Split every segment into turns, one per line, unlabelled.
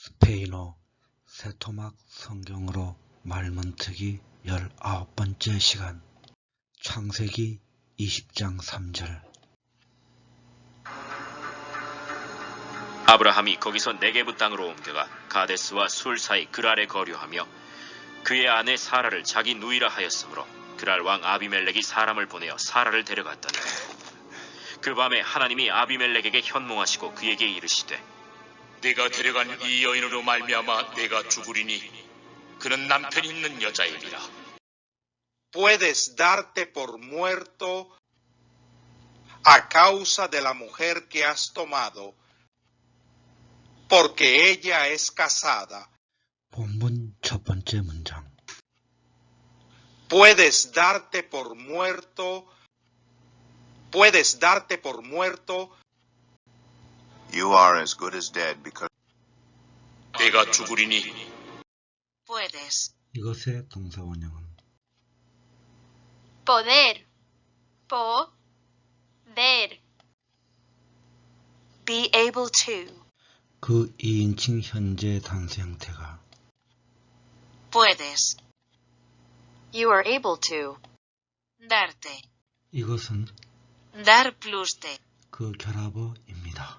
스페인어 세토막 성경으로 말문트기 19번째 시간 창세기 20장 3절.
아브라함이 거기서 네게브 땅으로 옮겨가 가데스와 술 사이 그랄에 거류하며 그의 아내 사라를 자기 누이라 하였으므로 그랄 왕 아비멜렉이 사람을 보내어 사라를 데려갔더니 그 밤에 하나님이 아비멜렉에게 현몽하시고 그에게 이르시되
네가 데려간 이 여인으로 말미암아 내가 죽으리니 그는 남편이 있는 여자이리라.
Puedes darte por muerto a causa de la mujer que has tomado, porque ella es casada.
본문 첫 번째 문장.
Puedes darte por muerto.
You are as good as dead because
내가 죽으리니
Puedes.
이것의 동사 원형은
Poder. Poder.
Be able to.
그 2인칭 현재 단수 형태가
Puedes. You are able to. Darte.
이것은
Dar plus de.
그 결합어입니다.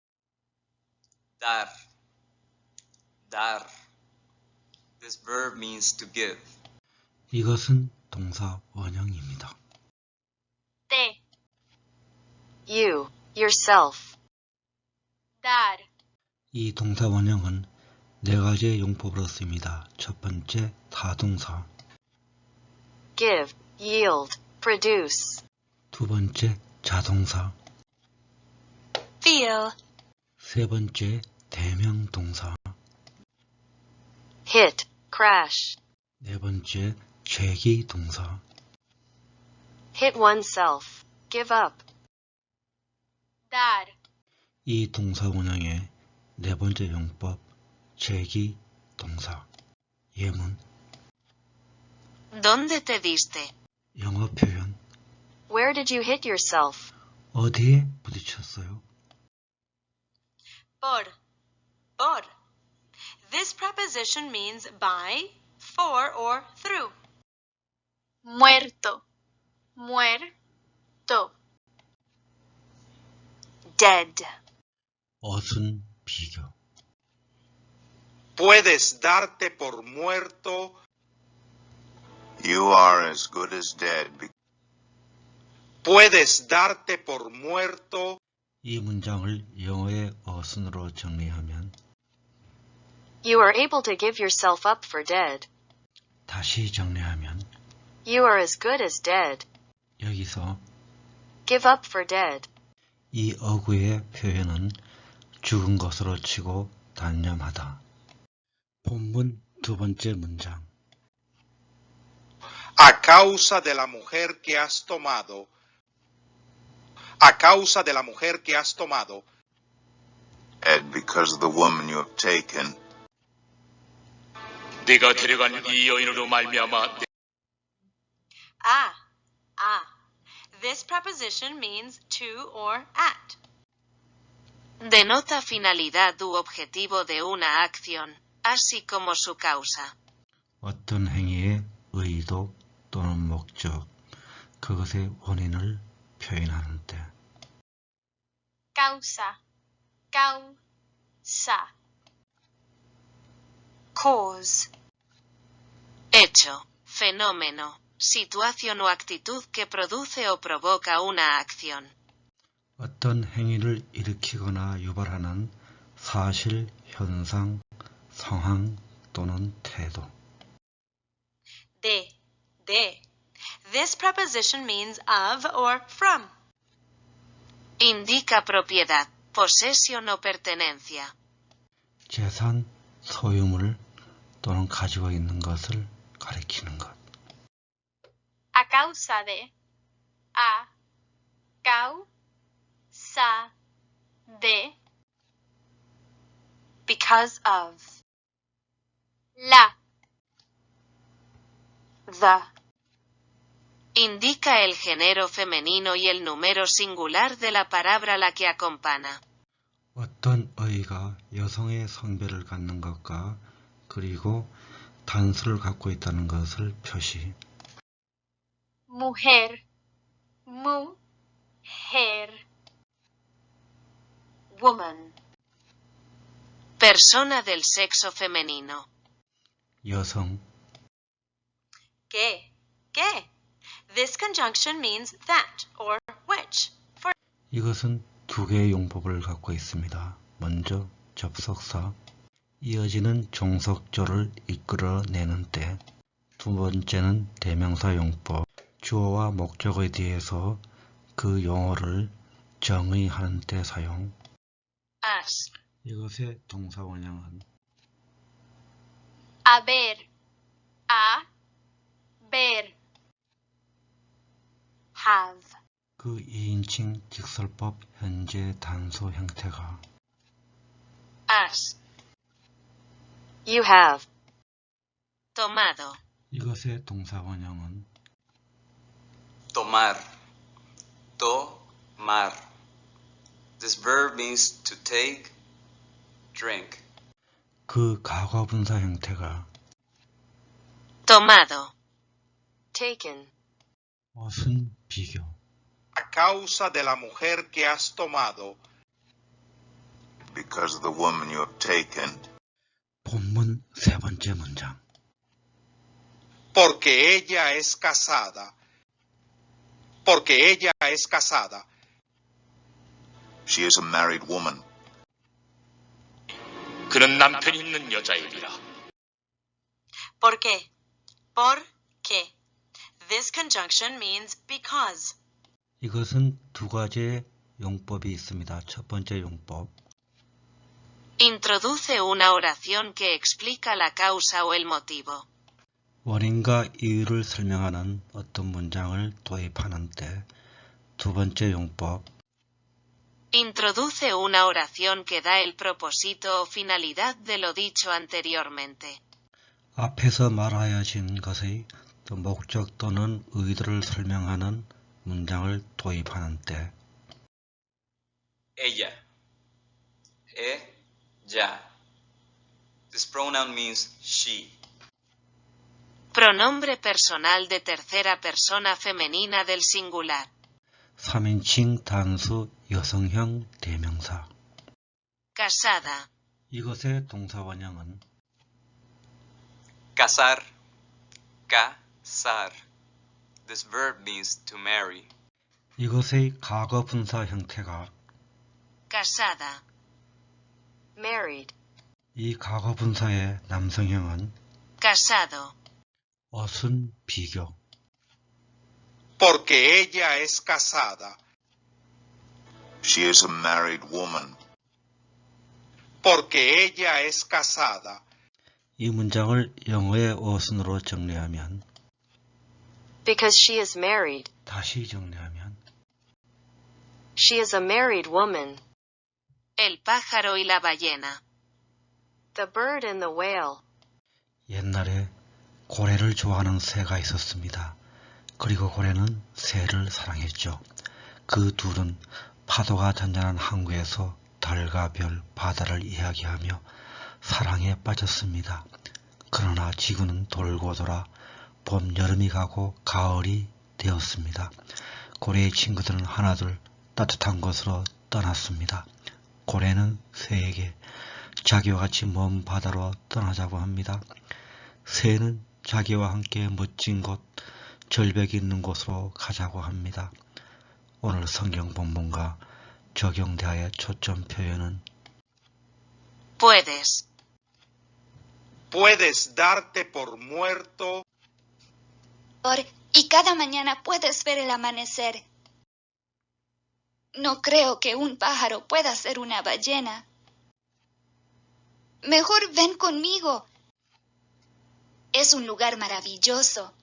Dar. Dar. This verb means to give.
이것은 동사 원형입니다.
Te.
You. Yourself.
Dar.
이 동사 원형은 네 가지의 용법으로 씁니다. 첫 번째 타동사,
Give. Yield. Produce.
두 번째 자동사,
Feel.
세 번째 대명동사,
Hit. Crash.
네 번째 죄기동사,
Hit oneself. Give up.
Dar.
이 동사 원형의 네 번째 용법 죄기동사. 예문
¿Dónde te diste?
영어 표현
Where did you hit yourself?
어디에 부딪혔어요?
Por. This preposition means by, for, or through.
Muerto. Muerto.
Dead.
어순 비교
Puedes darte por muerto.
you are as good as dead
Puedes darte por muerto.
이 문장을 영어의 어순으로 정리하면
You are able to give yourself up for dead.
다시 정리하면
You are as good as dead.
여기서
Give up for dead.
이 어구의 표현은 죽은 것으로 치고 단념하다. 본문 두 번째 문장.
A causa de la mujer que has tomado. A causa de la mujer que has tomado.
and because of the woman you have taken.
네가 데려간 이 여인으로 말미암아
Ah. This preposition means to or at.
Denota finalidad u objetivo de una acción, así como su causa.
어떤 행위의 의도 또는 목적, 그것의 원인을 표현하는 때.
Causa. Causa.
Cause.
Hecho, fenómeno, situación o actitud que produce o provoca una acción.
어떤 행위를 일으키거나 유발하는 사실, 현상, 상황 또는 태도.
De. This preposition means of or from.
Indica propiedad, posesión o pertenencia.
재산, 소유물 또는 가지고 있는 것을 가리키는 것.
A causa de. A causa de.
Because of.
La.
The. Indica el género femenino y el número singular de la palabra a la que acompaña.
어떤 어이가 여성의 성별을 갖는 것과 그리고 단수를 갖고 있다는 것을 표시.
mujer, mujer,
Woman.
Persona del sexo femenino.
여성.
Que. Que. This conjunction means that or which. For
이것은 두 개의 용법을 갖고 있습니다. 먼저 접속사, 이어지는 종속조를 이끌어내는 때, 두 번째는 대명사 용법, 주어와 목적에 대해서 그 용어를 정의하는 때 사용.
As.
이것의 동사 원형은
haber, haber,
have.
그 2인칭 직설법 현재 단수 형태가
As.
You have.
Tomado.
이것의 동사 원형은
Tomar. Tomar. This verb means to take, drink.
그 가과분사 형태가
Tomado.
Taken.
어순 비교.
A causa de la mujer que has tomado,
Because of the woman you have taken,
본문 세 번째 문장.
porque ella es casada. Porque ella es casada.
she is a married woman.
그는 남편이 있는 여자이니라.
¿Por qué? ¿Por qué? This conjunction means because.
이것은 두 가지의 용법이 있습니다. 첫 번째 용법.
Introduce una oración que explica la causa o el motivo.
원인과 이유를 설명하는 어떤 문장을 도입하는 때. 두 번째 용법.
Introduce una oración que da el propósito o finalidad de lo dicho anteriormente.
앞에서 말하여진 것의 목적 또는 의도를 설명하는 문장을 도입하는 때.
Ella. Ella. This pronoun means she.
Pronombre personal de tercera persona femenina del singular.
3인칭 단수 여성형 대명사.
Casada.
이것의 동사 원형은
Casar. Casar. This verb means to marry.
이것의 과거 분사 형태가
Casada.
Married.
이 과거 분사의 남성형은
Casado.
어순 비교.
Porque ella es casada.
She is a married woman.
Porque ella es casada.
이 문장을 영어의 어순으로 정리하면
Because she is married.
다시 정리하면
She is a married woman.
El pájaro y la ballena.
The bird and the whale.
옛날에 고래를 좋아하는 새가 있었습니다. 그리고 고래는 새를 사랑했죠. 그 둘은 파도가 잔잔한 항구에서 달과 별, 바다를 이야기하며 사랑에 빠졌습니다. 그러나 지구는 돌고 돌아 봄, 여름이 가고 가을이 되었습니다. 고래의 친구들은 하나둘 따뜻한 곳으로 떠났습니다. 고래는 새에게 자기와 같이 먼 바다로 떠나자고 합니다. 새는 자기와 함께 멋진 곳, 절벽이 있는 곳으로 가자고 합니다. 오늘 성경 본문과 적용대하의 초점 표현은
Puedes.
Puedes darte por muerto.
Y cada mañana puedes ver el amanecer. No creo que un pájaro pueda ser una ballena. Mejor ven conmigo. Es un lugar maravilloso.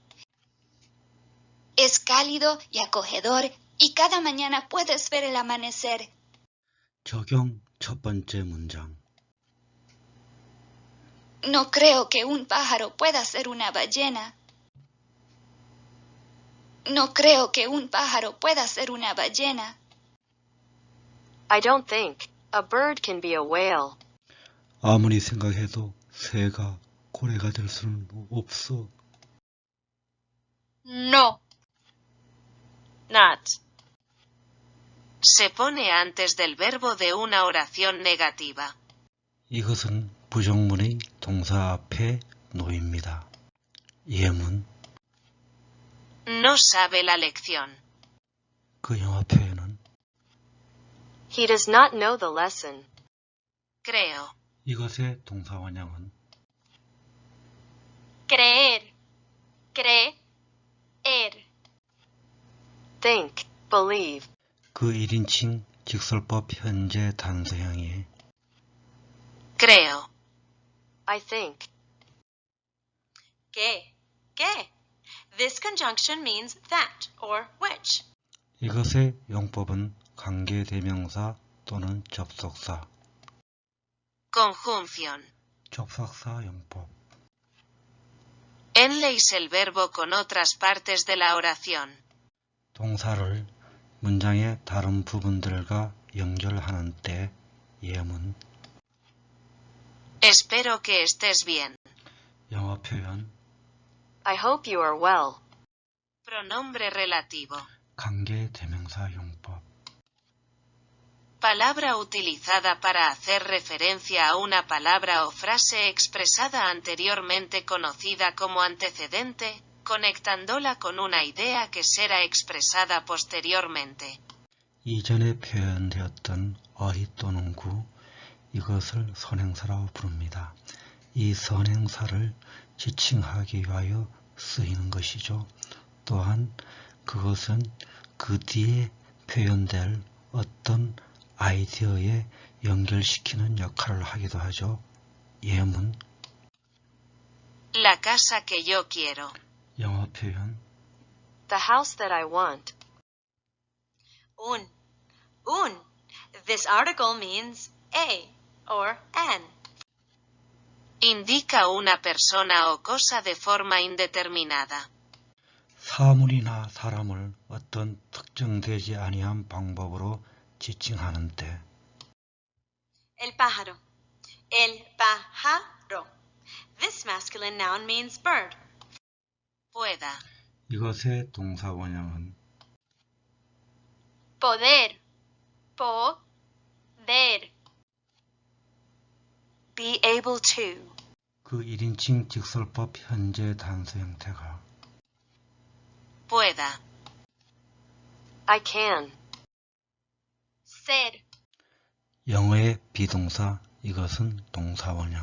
Es cálido y acogedor y cada mañana puedes ver el amanecer.
적용 첫 번째 문장.
No creo que un pájaro pueda ser una ballena. No creo que un pájaro pueda ser una ballena.
I don't think. A bird can be a whale.
아무리 생각해도 새가 고래가 될 수는 없어.
No.
Not.
Se pone antes del verbo de una oración negativa.
이것은 부정문의 동사 앞에 놓입니다. 예문,
No sabe la lección.
그 영어 표현은
He does not know the lesson.
Creo.
이것의 동사 원형은
Creer. Creer.
Think. Believe.
그 1인칭 직설법 현재 단서형이
Creo.
I think. Que. This conjunction means that or which.
이것의 용법은 관계대명사 또는 접속사,
Conjunción.
접속사 용법.
Enlace el verbo con otras partes de la oración.
동사를 문장의 다른 부분들과 연결하는 때 예문,
Espero que estés bien.
영어 표현,
I hope you are well.
Pronombre relativo.
관계대명사 용법.
Palabra utilizada para hacer referencia a una palabra o frase expresada anteriormente conocida como antecedente, conectándola con una idea que será expresada posteriormente.
이전에 표현되었던 어휘 또는 구, 이것을 선행사라고 부릅니다. 이 선행사를 지칭하기 위하여 쓰이는 것이죠. 또한 그것은 그 뒤에 표현될 어떤 아이디어에 연결시키는 역할을 하기도 하죠. 예문,
La casa que yo quiero.
영어 표현,
The house that I want. Un. This article means a or an.
Indica una persona o cosa de forma indeterminada.
사물이나 사람을 어떤 특정되지 아니한 방법으로 지칭하는 때
El pájaro. El pájaro. This masculine noun means bird.
Pueda.
이것의 동사 원형은
Poder. Poder.
Be able to.
그 1인칭 직설법 현재 단서 형태가
Pueda.
I can.
Ser.
영어의 비동사 이것은 동사 원형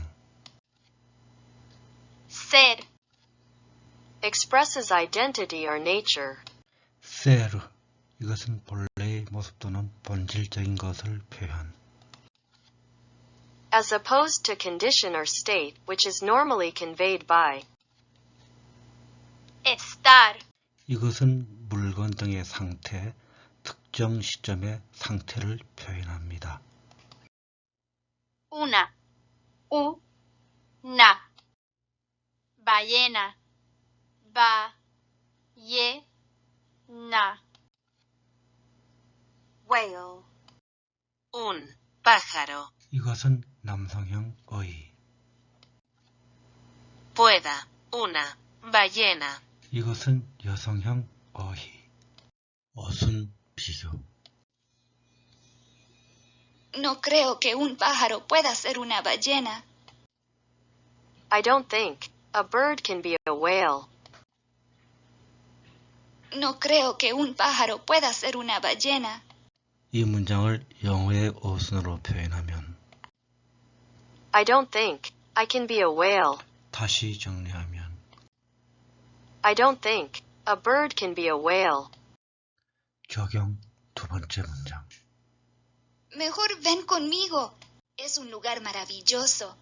Ser.
Expresses identity or nature.
ser 이것은 본래의 모습 또는 본질적인 것을 표현
As opposed to condition or state, which is normally conveyed by.
Estar.
이것은 물건 등의 상태, 특정 시점의 상태를 표현합니다.
Una. Una. Ballena. Ballena.
Whale.
Un pájaro.
이것은 남성형 어휘
Pueda. Una ballena.
이것은 여성형 어휘 어순 비교
No creo que un pájaro pueda ser una ballena.
I don't think. A bird can be a whale.
No creo que un pájaro pueda ser una ballena.
이 문장을 영어의 어순으로 표현하면
I don't think. I can be a whale.
다시 정리하면
I don't think. A bird can be a whale.
적용 두 번째 문장
Mejor ven conmigo. Es un lugar maravilloso.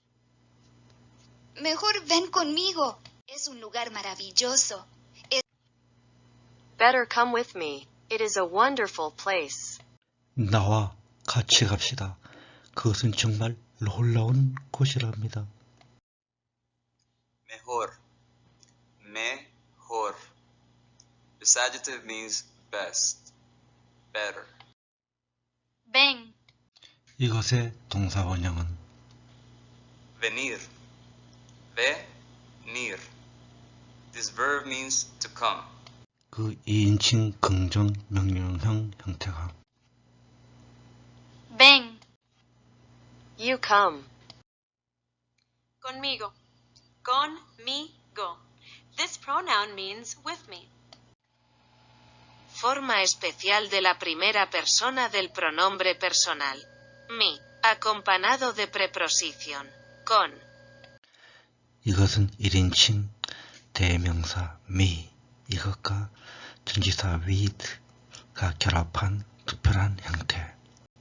Mejor ven conmigo. Es un lugar maravilloso.
Better come with me. It is a wonderful place.
나와 같이 갑시다. 그것은 정말 놀라운 곳이랍니다.
Mejor. Mejor. This adjective means best, better.
Ven.
이것의 동사 원형은
venir. Venir. This verb means to come.
그 2인칭 긍정 명령형 형태가
Ven.
You come.
Conmigo.
Conmigo. This pronoun means with me.
Forma especial de la primera persona del pronombre personal. Mi, acompañado de preposición. Con.
이것은 1인칭 대명사 me 이것과 전치사 with가 결합한 특별한 형태.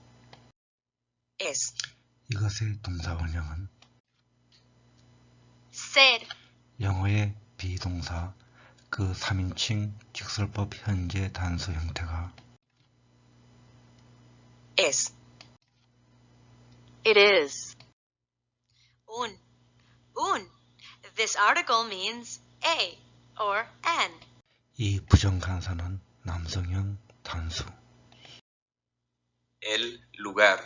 Es.
이것의 동사 원형은
Ser.
영어의 비동사 그 3인칭 직설법 현재 단수 형태가
Es. It is.
Un.
This article means a or an.
이 부정간사는 남성형 단수.
El lugar.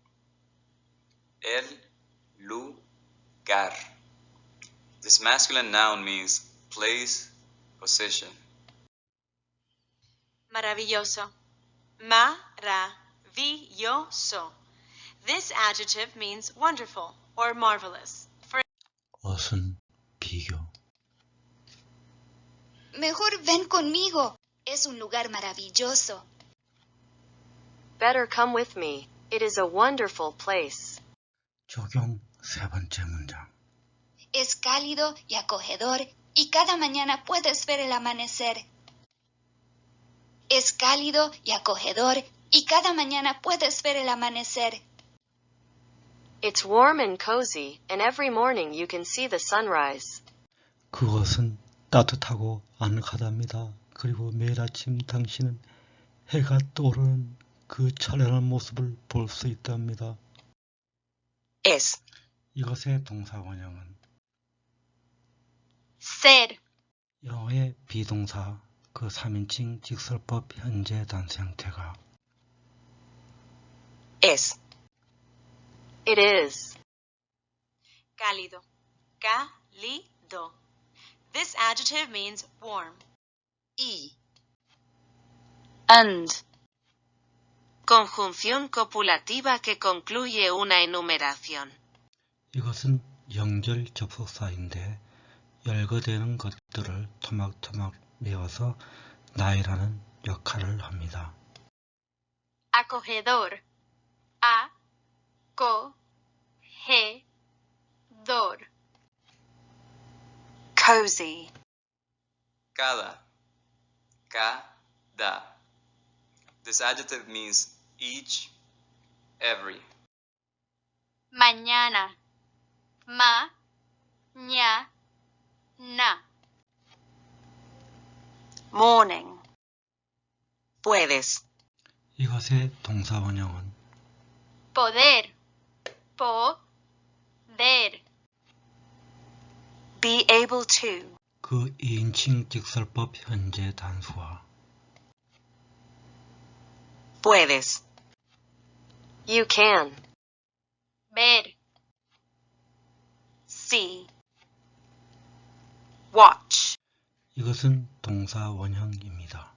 El lugar. This masculine noun means place, position.
Maravilloso.
Maravilloso. This adjective means wonderful or marvelous. For
어순 비교.
Mejor ven conmigo. Es un lugar maravilloso.
better come with me. It is a wonderful place.
적용 세 번째 문장.
Es cálido y acogedor y cada mañana puedes ver el amanecer. Es cálido y acogedor y cada mañana puedes ver el amanecer.
It's warm and cozy, and every morning you can see the sunrise.
그것은 따뜻하고 아늑하답니다. 그리고 매일 아침 당신은 해가 떠오르는 그 찬란한 모습을 볼 수 있답니다.
Es.
이것의 동사 원형은
Ser.
영어의 비동사 그 3인칭 직설법 현재 단수 형태가
Es. It is.
Cálido.
Cálido. This adjective means warm.
Y.
And. Conjunción copulativa que concluye una enumeración.
이것은 영절 접속사인데 열거되는 것들을 토막토막 메워서 나열하는 역할을 합니다.
Acogedor. A-co-ge-dor.
Cozy.
Cada. This adjective means each, every.
Mañana. Ma-ña-na.
Morning. Puedes.
이것의 동사 원형은
Poder. Poder.
Be able to.
그 2인칭 직설법 현재 단수와
Puedes. You can.
Ver.
See. Watch.
이것은 동사 원형입니다.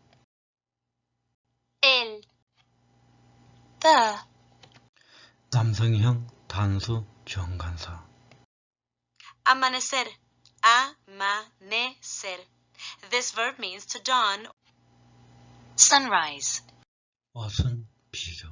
El.
The.
남성형 단수 정관사.
Amanecer. Amanecer. This verb means to dawn. Sunrise.
어순 비교.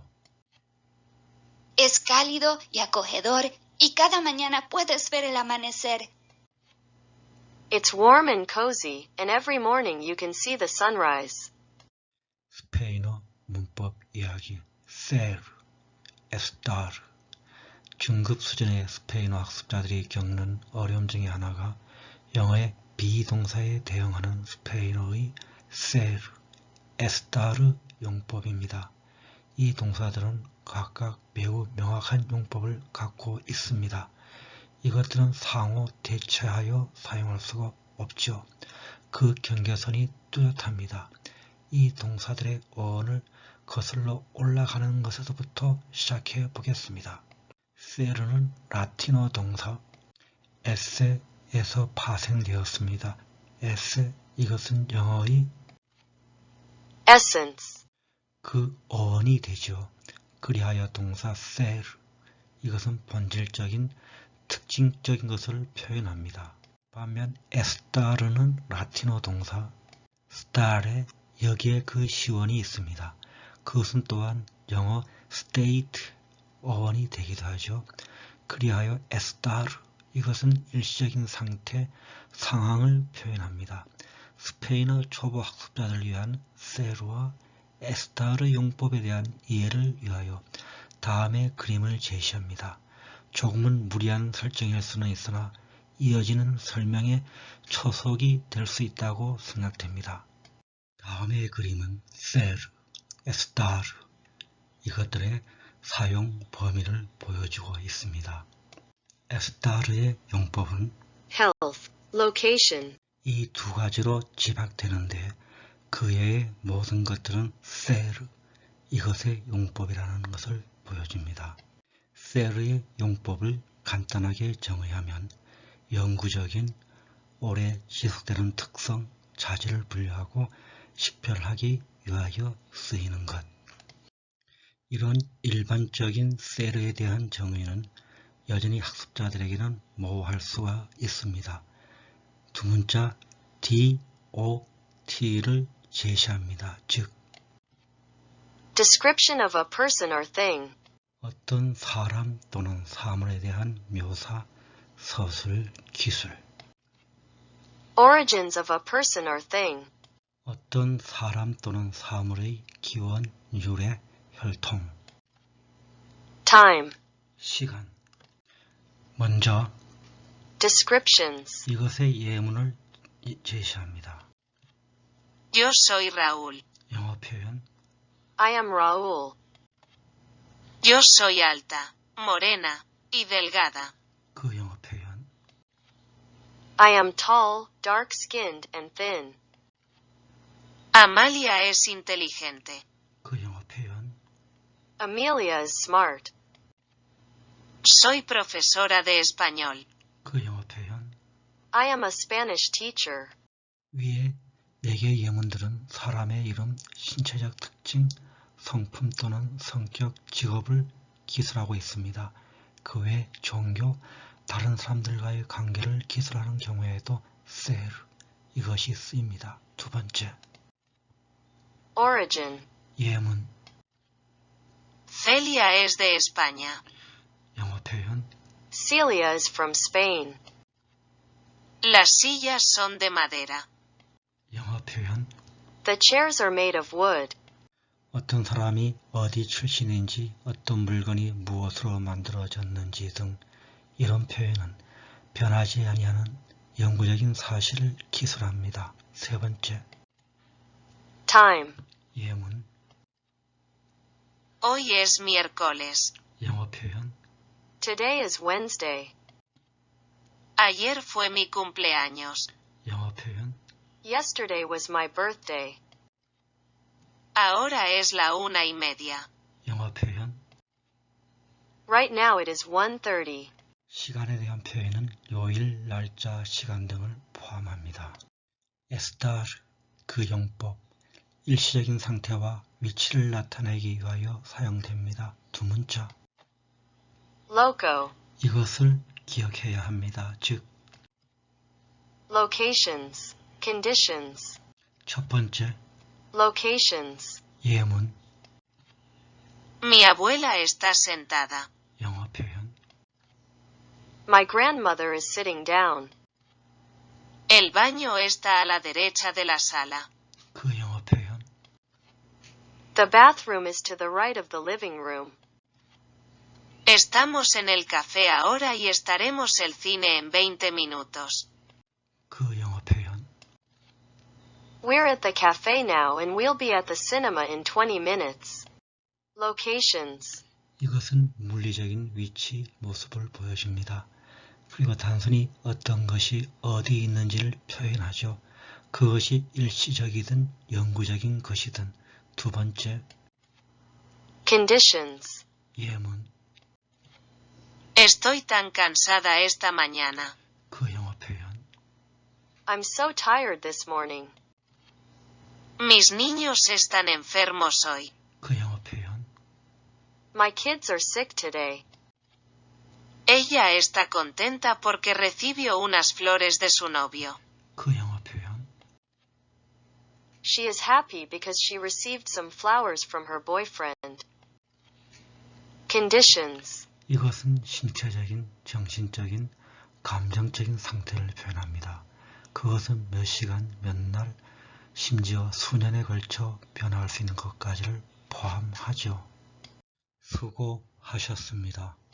Es cálido y acogedor y cada mañana puedes ver el amanecer.
It's warm and cozy, and every morning you can see the sunrise.
스페인어 문법 이야기 ser, estar. 중급 수준의 스페인어 학습자들이 겪는 어려움 중에 하나가 영어의 비동사에 대응하는 스페인어의 ser, estar 용법입니다. 이 동사들은 각각 매우 명확한 용법을 갖고 있습니다. 이것들은 상호 대체하여 사용할 수가 없죠. 그 경계선이 뚜렷합니다. 이 동사들의 어원을 거슬러 올라가는 것에서부터 시작해 보겠습니다. 세르는 라틴어 동사 에세에서 파생되었습니다. 에세, 이것은 영어의
essence,
그 어원이 되죠. 그리하여 동사 세르, 이것은 본질적인 특징적인 것을 표현합니다. 반면 에스타르는 라틴어 동사 스타레, 여기에 그 시원이 있습니다. 그것은 또한 영어 state 어원이 되기도 하죠. 그리하여 에스타르, 이것은 일시적인 상태, 상황을 표현합니다. 스페인어 초보 학습자들을 위한 세르와 에스타르 용법에 대한 이해를 위하여 다음의 그림을 제시합니다. 조금은 무리한 설정일 수는 있으나 이어지는 설명의 초석이 될 수 있다고 생각됩니다. 다음의 그림은 세르, 에스타르, 이것들의 사용 범위를 보여주고 있습니다. 에스타르의 용법은
health, location,
이 두 가지로 집약되는데 그 외의 모든 것들은 세르, 이것의 용법이라는 것을 보여줍니다. 세르의 용법을 간단하게 정의하면 영구적인, 오래 지속되는 특성, 자질을 분류하고 식별하기 위하여 쓰이는 것. 이런 일반적인 세르에 대한 정의는 여전히 학습자들에게는 모호할 수가 있습니다. 두 문자 DOT를 제시합니다. 즉,
description of a person or thing,
어떤 사람 또는 사물에 대한 묘사, 서술, 기술.
origins of a person or thing,
어떤 사람 또는 사물의 기원, 유래, 혈통.
time,
시간. 먼저
descriptions,
이것의 예문을 제시합니다.
Yo soy Raúl.
영어 표현.
I am Raúl.
Yo soy alta, morena y delgada.
그 영어 표현.
I am tall, dark-skinned, and thin.
Amalia es inteligente.
그 영어 표현.
Amelia is smart.
Soy profesora de español.
그 영어 표현.
I am a Spanish teacher.
위에 4개의 예문들은 사람의 이름, 신체적 특징, 성품 또는 성격, 직업을 기술하고 있습니다. 그 외 종교, 다른 사람들과의 관계를 기술하는 경우에도 세르, 이것이 쓰입니다. 두 번째,
Origin.
예문.
Celia es de España.
영어 표현.
Celia is from Spain.
Las sillas son de madera.
영어 표현.
The chairs are made of wood.
어떤 사람이 어디 출신인지, 어떤 물건이 무엇으로 만들어졌는지 등 이런 표현은 변하지 아니하는 영구적인 사실을 기술합니다. 세 번째,
Time.
예문.
Hoy es miércoles.
영어 표현.
Today is Wednesday.
Ayer fue mi cumpleaños.
영어 표현.
Yesterday was my birthday.
Ahora es la 1:30.
영어 표현.
Right now it is 1:30.
시간에 대한 표현은 요일, 날짜, 시간 등을 포함합니다. 에스타르, 그 용법, 일시적인 상태와 위치를 나타내기 위하여 사용됩니다. 두 문자.
Loco.
이것을 기억해야 합니다. 즉,
Locations. Conditions.
첫 번째,
Locations.
예문,
Mi abuela está sentada.
영어 표현.
My grandmother is sitting down.
El baño está a la derecha de la sala.
그 영어 표현.
The bathroom is to the right of the living room.
Estamos en el café ahora y estaremos el cine en 20 minutos.
그 영어 표현.
We're at the cafe now and we'll be at the cinema in 20 minutes. Locations.
이것은 물리적인 위치, 모습을 보여줍니다. 그리고 단순히 어떤 것이 어디 있는지를 표현하죠. 그것이 일시적이든 영구적인 것이든. 두 번째,
Conditions.
예문.
Estoy tan cansada esta mañana.
그 영어 표현.
I'm so tired this morning.
Mis niños están enfermos hoy.
그 영어 표현.
My kids are sick today.
Ella está contenta porque recibió unas flores de su novio.
그 영어 표현.
She is happy because she received some flowers from her boyfriend. Conditions.
이것은 신체적인, 정신적인, 감정적인 상태를 표현합니다. 그것은 몇 시간, 몇 날, 심지어 수년에 걸쳐 변화할 수 있는 것까지를 포함하죠. 수고하셨습니다.